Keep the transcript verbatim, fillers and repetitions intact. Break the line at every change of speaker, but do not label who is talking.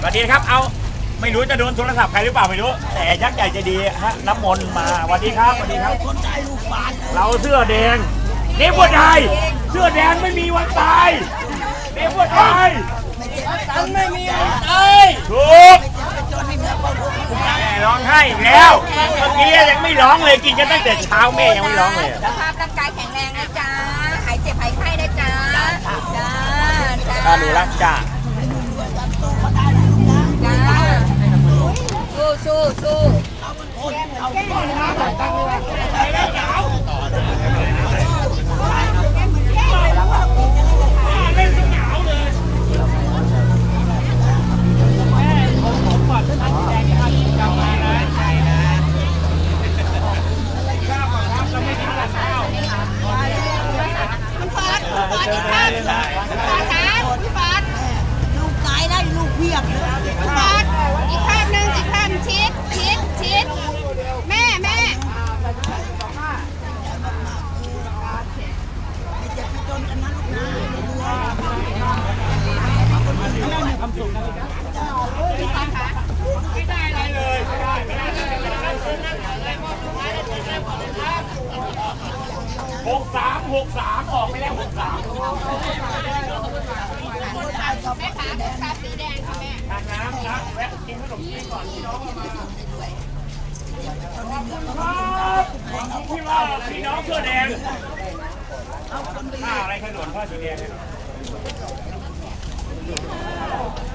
วัสดีครับเอาไม่รู้จะโดนโทรศัพท์ใครหรือเปล่าไม่รู้แต่ยักษ์ใหญ่ใจดีฮะน้ำมนต์มาสวัสดีครับสวัสดีครับเราเสื้อแดงเนฟวดไทยเสื้อแดงไม่มีวันตายเนฟวดไทยไม่มีวันตายถูกแม่ร้องไห้อีกแล้วเมื่อกี้ยังไม่ร้องเลยกินกันตั้งแต่เช้าแม่ยังไม่ร้องเลย
สุขภาพร่างกายแข็งแรงนะจ๊ะหายเจ็บหายไข้นะจ๊ะจ้า
ถ้าหนูรักจ้า
สู้สู้สู้
หกสามหกสามออกไปแล้วหกสาม
แม่ขาตุ๊กตาสีแดงค่ะแม่
ทานน้ำนะแวะกินขนมจีนก่อนพี่น้องมาขอบคุณครับที่ว่าพี่น้องเสื้อแดงผ้าอะไรขนมผ้าสีแดงเลย